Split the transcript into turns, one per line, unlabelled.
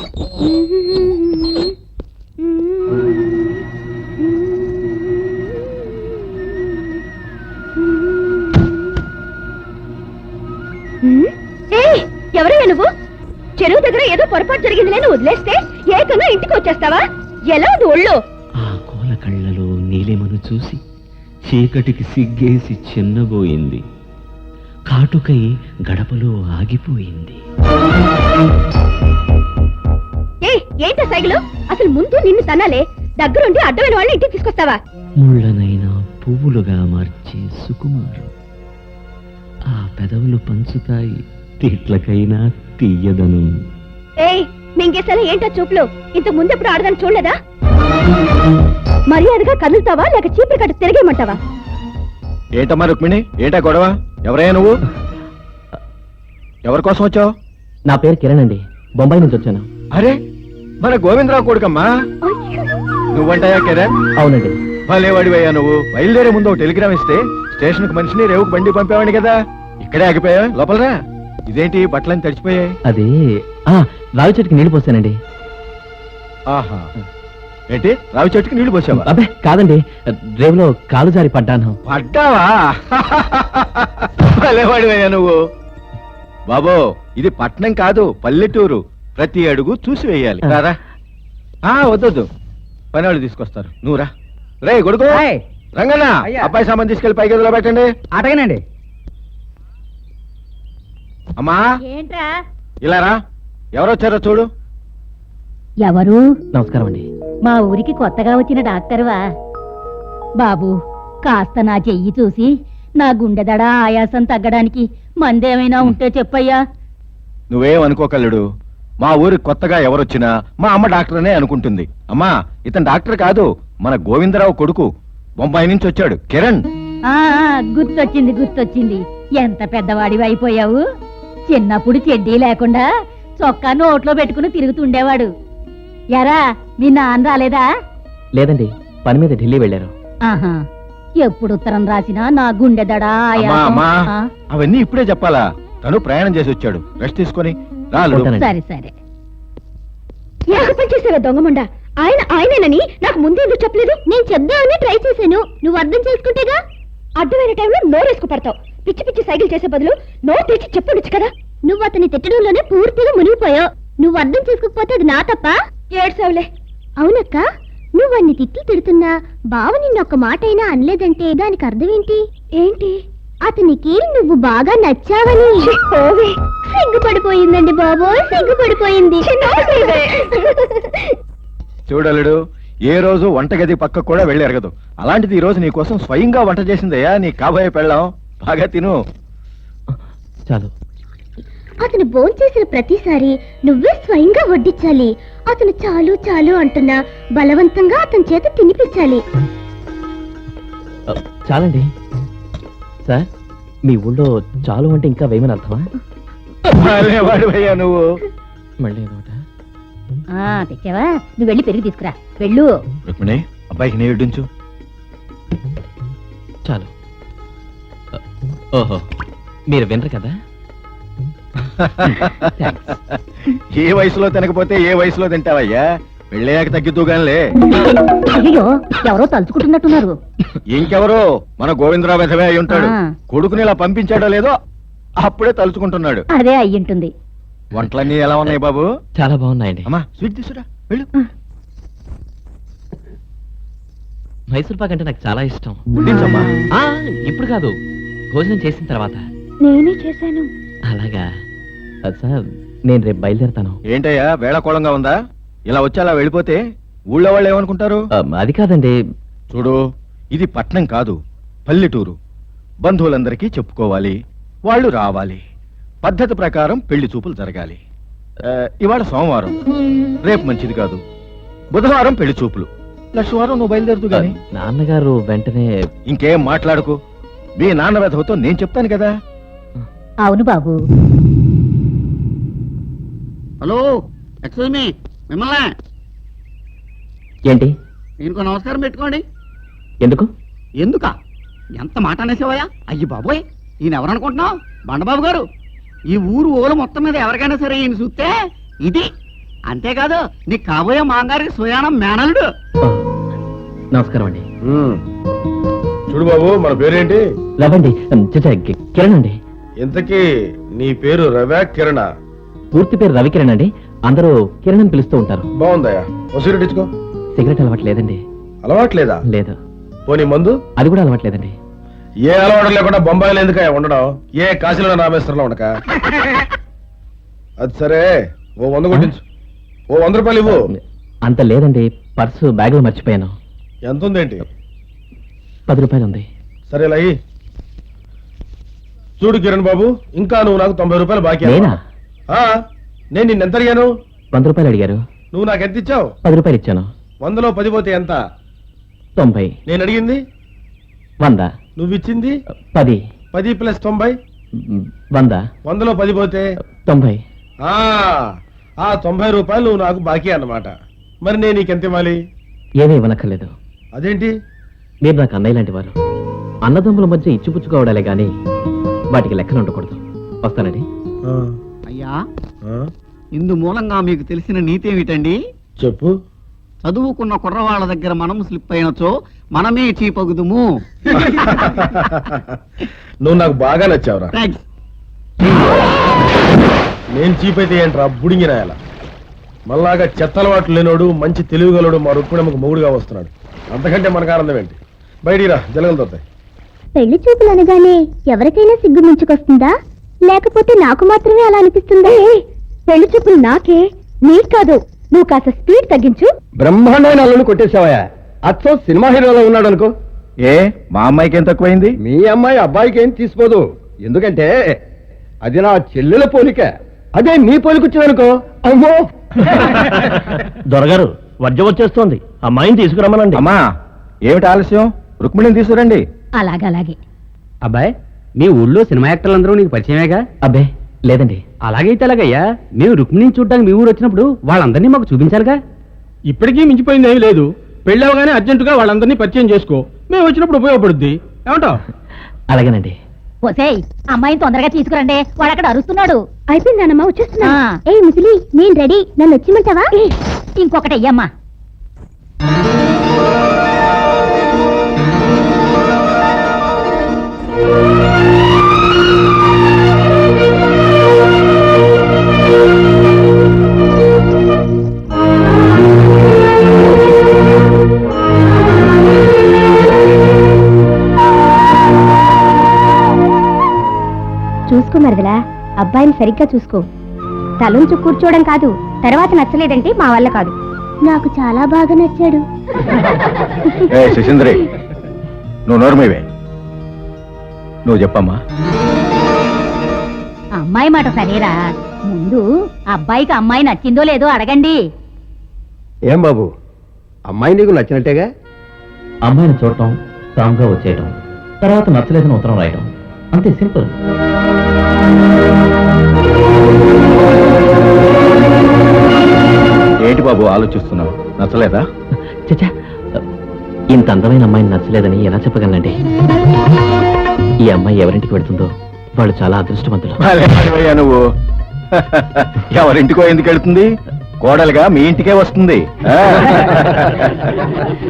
ఎవరయ్యా నువ్వు? చెరువు దగ్గర ఏదో పొరపాటు జరిగింది నేను వదిలేస్తే ఏకంగా ఇంటికి వచ్చేస్తావా? ఎలా అది ఒళ్ళు?
ఆ కోల కళ్ళలో నీలిమను చూసి చీకటికి సిగ్గేసి చిన్నబోయింది. కాటుకై గడపలో ఆగిపోయింది.
ఏంట సైకిలు? అసలు ముందు నిన్ను తనాలే, దగ్గరుండి అడ్డమైన వాళ్ళని ఇంటికి తీసుకొస్తావా?
ముళ్ళనైనా పువ్వులుగా మార్చే సుకుమారం. ఆ పెదవులు పంచుతాయి తిట్లకైనా తీయదను.
మింగేసలా ఏంటో చూపులు? ఇంతకు ముందెప్పుడు ఆడదాన్ని చూడలేదా? మర్యాదగా కదులుతావా లేక చీపురు కట్టు తిరిగేయమంటావా?
ఏంటమ్మా రుక్మిణి, ఏంటా గొడవ? ఎవరయ్యా నువ్వు? ఎవరి కోసం వచ్చావు?
నా పేరు కిరణ్ అండి, బొంబాయి నుంచి వచ్చాను.
అరే, మన గోవిందరావు కొడుకమ్మా. నువ్వంటాయా కిరణ్?
అవునండి.
భలేవాడివయ్యా నువ్వు. బయలుదేరే ముందు ఒక టెలిగ్రామ్ ఇస్తే స్టేషన్ కు మనిషిని రేవుకు బండి పంపేవాడిని కదా. ఇక్కడే ఆగిపోయా, లోపలరా. ఇదేంటి బట్టలని తడిచిపోయాయి?
అది రావి చెట్టుకి నీళ్లు పోసానండి.
ఆహా, ఏంటి రావి చెట్టుకి నీళ్లు పోసావా?
అబ్బే కాదండి, రేవులో కాలు జారి పడ్డాను.
పడ్డావా? భలేవాడివయ్యా నువ్వు. బాబో, ఇది పట్నం కాదు, పల్లెటూరు. ప్రతి అడుగు చూసి వేయాలి. రారా. వద్దొద్దు, పని వాళ్ళు తీసుకొస్తారు. నువ్వు రా. రే కొడుకు, రంగన్న, అబ్బాయి సామాన్ తీసుకెళ్లి పై గదిలో పెట్టండి.
అటగనండి.
అమ్మా
ఏంట్రా?
ఇలా రా. ఎవరొచ్చారో చూడు.
ఎవరు?
నమస్కారం అండి.
మా ఊరికి కొత్తగా వచ్చిన డాక్టర్వా? బాబు, కాస్త నా చెయ్యి చూసి నా గుండెదడ ఆయాసం తగ్గడానికి మందేమైనా ఉంటే చెప్పయ్యా.
నువ్వేం అనుకోకల్లుడు. మా ఊరికి కొత్తగా ఎవరొచ్చినా మా అమ్మ డాక్టర్నే అనుకుంటుంది. అమ్మా, ఇతను డాక్టర్ కాదు, మన గోవిందరావు కొడుకు. బొంబాయి నుంచి వచ్చాడు, కిరణ్.
గుర్తొచ్చింది గుర్తొచ్చింది. ఎంత పెద్దవాడివి అయిపోయావు. చిన్నప్పుడు చెడ్డీ లేకుండా చొక్కా నోట్లో పెట్టుకుని తిరుగుతుండేవాడు. ఎరా, మీ నాన్న రాలేదా?
లేదండి, పని మీద ఢిల్లీ వెళ్ళారు.
ఆహా, ఎప్పుడు ఉత్తరం రాసినా నా గుండెదడ
అవన్నీ ఇప్పుడే చెప్పాలా? తను ప్రయాణం చేసి వచ్చాడు, రెస్ట్ తీసుకొని రా.
సరే సరే. చేసావా దొంగమండ? ఆయనేనని నాకు ముందే ఎందుకు చెప్పలేదు? నేను చెప్దామని ట్రై చేశాను, నువ్వు అర్థం చేసుకుంటేగా. అడ్డమైన టైంలో నోరేసుకు పడతావు. పిచ్చి పిచ్చి సైకిల్ చేసే బదులు నోరు తెచ్చి చెప్పొచ్చు కదా. నువ్వు అతని తిట్టడంలోనే పూర్తిగా మునిగిపోయావు. నువ్వు అర్థం చేసుకోకపోతే అది నా తప్ప. ఏడ్సావులే. అవునక్క, నువ్వు అన్ని తిట్టి తిడుతున్నా బావ నిన్నొక్క మాట అయినా అనలేదంటే దానికి అర్థం ఏంటి? ఏంటి? అతనికి నువ్వు బాగా నచ్చావని. సిగ్గుపడిపోయిందండి బాబు, సిగ్గుపడిపోయింది.
చూడలుడు, ఏ రోజు వంటగది పక్క కూడా వెళ్ళి ఎరగదు. అలాంటిది ఈ రోజు నీ కోసం స్వయంగా వంట చేసిందయ్యా నీ కాబోయే పెళ్ళాం. బాగా తిను.
చాలు.
అతను భోంచేసిన ప్రతిసారి నువ్వే స్వయంగా వడ్డించాలి. అతను చాలు చాలు అంటున్నా బలవంతంగా అతని చేత తినిపించాలి.
చాలండి. సార్, మీ ఊళ్ళో చాలు అంటే ఇంకా వేయమని అర్థమా?
వాడివయ్యా నువ్వు.
మళ్ళీ
తెచ్చావా? నువ్వు వెళ్ళి పెరిగి తీసుకురా. వెళ్ళు.
రుక్మిణి, అబ్బాయికి నీ వడ్డించు.
చాలు. ఓహో, మీరు వినరు కదా.
ఏ వయసులో తినకపోతే ఏ వయసులో తింటావయ్యా? వెళ్ళాక తగ్గిద్దుగానిలే.
అయ్యో, ఎవరో తలుచుకుంటున్నట్టున్నారు.
ఇంకెవరో మన గోవిందరావు వెధవే అయి ఉంటాడు. కొడుకుని ఇలా పంపించాడో లేదో అప్పుడే తలుచుకుంటున్నాడు.
అదే అయ్యింటుంది.
వంటలన్నీ ఎలా ఉన్నాయి బాబు?
చాలా బాగున్నాయండి.
అమ్మా, స్వీట్ తీసురా, వెళ్ళు.
మైసూర్ పాక్ అంటే నాకు చాలా ఇష్టం.
వడ్డించమ్మా.
ఇప్పుడు కాదు, భోజనం చేసిన తర్వాత.
నేనే చేశాను.
అలాగా సార్, నేను రేపు బయలుదేరతాను.
ఏంటయ్యా వేళకోళంగా ఉందా? ఇలా వచ్చి అలా వెళ్ళిపోతే ఊళ్ళో వాళ్ళు ఏమనుకుంటారు?
అది కాదండి.
చూడు, ఇది పట్నం కాదు, పల్లెటూరు. బంధువులందరికీ చెప్పుకోవాలి, వాళ్ళు రావాలి. పద్ధతి ప్రకారం పెళ్లి చూపులు జరగాలి. ఇవాళ సోమవారం, రేపు మంచిది కాదు. బుధవారం పెళ్లి చూపులు, లక్షవారం నువ్వు బయలుదేరుతూ గాని.
నాన్నగారు వెంటనే.
ఇంకేం మాట్లాడుకో. మీ నాన్న వెధవతో నేను చెప్తాను కదా.
అవును బాబు.
హలో, ఎక్స్క్యూజ్ మీ, మిమ్మల్ని.
ఏంటి?
దీనికి నమస్కారం పెట్టుకోండి.
ఎందుకు?
ఎందుకా? ఎంత మాట అనేసేవయ్యా? అయ్యి బాబోయ్, ఈయన ఎవరనుకుంటున్నావు? బండబాబు గారు. ఈ ఊరు ఓలు మొత్తం మీద ఎవరికైనా సరే ఈయన చూస్తే ఇది అంతేకాదు నీ కాబోయే మాంగారికి సుయానం మేనల్డు.
ఓ, నమస్కారం అండి.
చూడు బాబు, మన పేరేంటి?
లవండి చచ్చా కిరణ్ అండి.
ఇంతకీ నీ పేరు రవ్యా కిరణ?
పూర్తి పేరు రవికిరణ్ అండి. అందరూ కిరణ్ అని పిలుస్తూ ఉంటారు.
బాగుందయ్యా. ఓ సిగరెట్ ఇచ్చుకో.
సిగరెట్ అలవాటు లేదండి.
అలవాట్లేదా?
లేదు.
పోనీ మందు?
అది కూడా అలవాట్లేదండి.
ఏ అలవాటు లేకుండా బొంబాయిలో ఎందుకయ్యా ఉండడం? ఏ కాశీలో రామేశ్వరంలో ఉండక? అది సరే, ఓ 100 కొట్టించు. ఓ 100 రూపాయలు ఇవ్వు.
అంత లేదండి, పర్సు బ్యాగ్ లో మర్చిపోయాను.
ఎంత ఉందేంటి?
10 రూపాయలు ఉంది.
సరే లయ్యి. చూడు కిరణ్ బాబు, ఇంకా నువ్వు నాకు 90 రూపాయలు బాకీ.
నేనా?
నేను నిన్నెంత అడిగాను?
100 రూపాయలు అడిగారు.
నువ్వు నాకు ఎంత ఇచ్చావు?
10 రూపాయలు ఇచ్చాను.
100లో 10 పోతే ఎంత?
90.
నేను అడిగింది
100.
నువ్వు ఇచ్చింది
10.
10 ప్లస్ 90.
100.
100లో 10 పోతే
90.
ఆ 90 రూపాయలు నువ్వు నాకు బాకీ అన్నమాట. మరి నేను నీకెంత ఇవ్వాలి?
ఏమీ ఇవ్వనక్కర్లేదు.
అదేంటి?
మీరు నాకు అన్నయ్య లాంటి వారు. అన్నదమ్ముల మధ్య ఇచ్చిపుచ్చుకోవడాలే గాని వాటికి లెక్కలు ఉండకూడదు. వస్తానండి.
అయ్యా, ఇందు మూలంగా మీకు తెలిసిన నీతి ఏమిటండి?
చెప్పు.
చదువుకున్న కుర్రవాళ్ళ దగ్గర మనం స్లిప్ అయినచో మనమే చీపగుదుము.
నువ్వు నాకు బాగా నచ్చావురా.
థాంక్స్.
నేను చీప్ అయితే ఏంట్రా బుడింగి రాయాల? మళ్ళాగా చెత్తలవాట్లు లేనోడు, మంచి తెలివిగలడు మా రుక్మిణమ్మకు మొగుడుగా వస్తున్నాడు. అంతకంటే మనకు ఆనందం ఏంటి? బయటిరా, జలగలు దొరుకుతాయి.
పెళ్లి చూపులు అనగానే ఎవరికైనా సిగ్గు ముంచుకొస్తుందా, లేకపోతే నాకు మాత్రమే అలా అనిపిస్తుందా? పెళ్లి చూపులు నాకే, నీకు కాదు. నువ్వు కాస్త స్పీడ్ తగ్గించు.
బ్రహ్మాండమైన అల్లుని కొట్టేశావయ్యా. అచ్చో సినిమా హీరోలో ఉన్నాడు అనుకో.
ఏ మా అమ్మాయికి ఏం తక్కువైంది?
మీ అమ్మాయి అబ్బాయికి ఏం తీసిపోదు. ఎందుకంటే అది నా చెల్లెల పోలిక. అదే నీ పోలికొచ్చిందనుకో, అమ్మో.
దొరగారు, వర్జం వచ్చేస్తోంది. అమ్మాయిని తీసుకురమ్మనండి.
అమ్మా, ఏమిటి ఆలస్యం? రుక్మిణిని తీసుకురండి.
అలాగే
అబ్బాయి, మీ ఊళ్ళో సినిమా యాక్టర్లందరూ నీకు పరిచయమేగా?
అబ్బే లేదండి.
అలాగైతే అలాగయ్యా, మేము రుక్మిణిని చూడడానికి మీ ఊరు వచ్చినప్పుడు వాళ్ళందరినీ మాకు చూపించాలిగా.
ఇప్పటికీ మించిపోయింది ఏమీ లేదు. పెళ్ళవగానే అర్జెంటుగా వాళ్ళందరినీ పరిచయం చేసుకో. మేము వచ్చినప్పుడు ఉపయోగపడుద్ది. ఏమంటావు?
అలాగేనండి.
ఒసేయ్, అమ్మాయిని తొందరగా తీసుకురండి, వాడు అక్కడ అరుస్తున్నాడు. అయిపోయిందన్నమ్మా, వచ్చేస్తున్నా. ఏ ముసలి, నేను రెడీ. నన్ను వచ్చిమంటావా? ఇంకొకటి అయ్యమ్మా. చూసుకో మరదలా, అబ్బాయిని సరిగ్గా చూసుకో. తలుంచు కూర్చోవడం కాదు, తర్వాత నచ్చలేదంటే మా వల్ల కాదు. నాకు చాలా బాగా నచ్చాడు.
ఏ శశీంద్రి, నువ్వు నోర్మేవే. నువ్వు చెప్పమ్మా.
అమ్మాయి మాట సరేరా, ముందు అబ్బాయికి అమ్మాయి నచ్చిందో లేదో అడగండి.
ఏం బాబు, అమ్మాయి నీకు నచ్చినట్టేగా?
అమ్మాయిని చూడటం, స్ట్రాంగ్ గా వచ్చేయటం, తర్వాత నచ్చలేదని ఉత్తరం రాయటం, అంతే, సింపుల్.
ఏంటి బాబు ఆలోచిస్తున్నావు? నచ్చలేదా?
చచ్చా, ఇంత అందమైన అమ్మాయిని నచ్చలేదని ఎలా చెప్పగలనండి? ఈ అమ్మాయి ఎవరింటికి వెళ్తుందో వాళ్ళు చాలా అదృష్టవంతులు.
భలే వాడివయ్యా నువ్వు. ఎవరింటికో ఎందుకు వెళ్తుంది? కోడలుగా మీ ఇంటికే వస్తుంది.